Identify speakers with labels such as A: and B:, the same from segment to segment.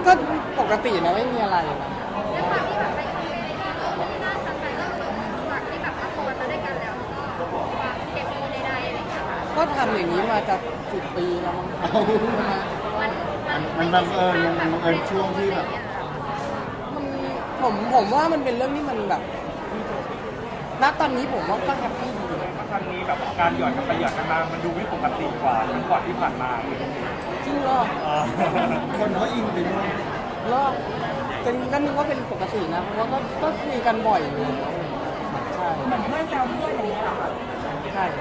A: ก็ปกตินะไม่มีอะไรนะ
B: ด้วยความที่แบบไปคอมเมนต์ก็ที่น่าสนใจก็คือจากที่แบบละครมาด้วยกันแล้วก็วางเคมีใดๆอะไรอย่างเงี้ยค่ะ
A: ก็ทำอย่างนี้มาจะ10 ปีแล้วมั้งครับใช่ไหม
C: มันบังเอิญมันบังเอิญช่วงที่แบบ
A: มันผมว่ามันเป็นเรื่องที่มันแบบณตอนนี้ผมว่าก็แฮปปี้ดี
D: ครั้งนี้แบบการหยอดกันไปหยอดกันมามันดูไม่ปกติกว่าเหมือนก่อนที่ผ่านมา
A: จริงเหรอ
C: คนเขาอินไปด้วย
A: เหรอจริงก็นึกว่าเป็นปกตินะเพราะว่าก็คุยกันบ่อยอยู่แล้วใช่
B: เหมือนเพื่อนแซวเพื่อนอย่างเงี้ยเหรอคะ
A: ใช่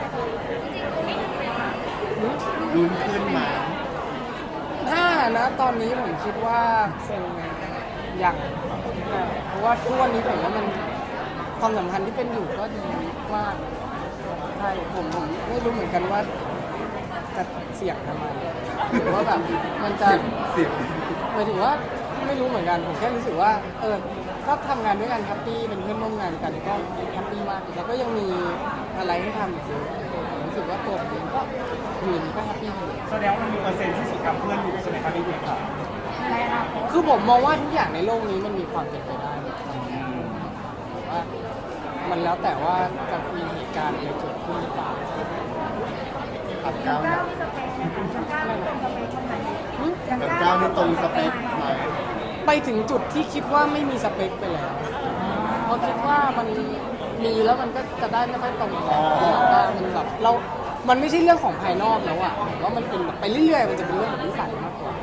A: หือ
C: ลุ้นขึ้นมา
A: ถ้านะตอนนี้ผมคิดว่าคงยังเพราะว่าทุกวันนี้ผมว่ามันความสัมพันธ์ที่เป็นอยู่ก็ดีมากใช่ผมไม่รู้เหมือนกันว่าจะเสี่ยงทำไมหรือว่าแบบมันจะ
C: สิบ
A: หมายถึงว่าไม่รู้เหมือนกันผมแค่รู้สึกว่าก็ทำงานด้วยกันแฮปปี้เป็นเพื่อนร่วมงานกันก็แฮปปี้มากแล้วก็ยังมีอะไรให้ทำอีกเยอะผมรู้สึกว่าตัวผมเองก็ยืนก็แฮปปี้อยู่
D: แสดงว่ามันมีเปอร์เซ็นต์ที่สุดกับเพื่อนอยู่ใช่ไหมครับพี่เบียร์ค่ะ
B: ในอนาคต
A: คือผมมองว่าทุกอย่างในโลกนี้มันมีความเป็นไปได้หมดแต่ว่ามันแล้วแต่ว่าจะมีเหตุการณ์อะไรเกิดขึ้นหรือเปล่า
C: อับก้าว
B: ก้าวมีสเปคไหมคะก้าวเป็นสเปคคนไหน
A: หึ
C: กับก้าวนี่ตรงสเปคไหม
A: ไปถึงจุดที่คิดว่าไม่มีสเปคไปแล้วเพราะคิดว่ามันมีแล้วมันก็จะได้ไม่ค่อยตรงกันมันแบบมันไม่ใช่เรื่องของภายนอกแล้วอะว่ามันเป็นแบบไปเรื่อยๆมันจะเป็นเรื่องของนิสัยมากกว่า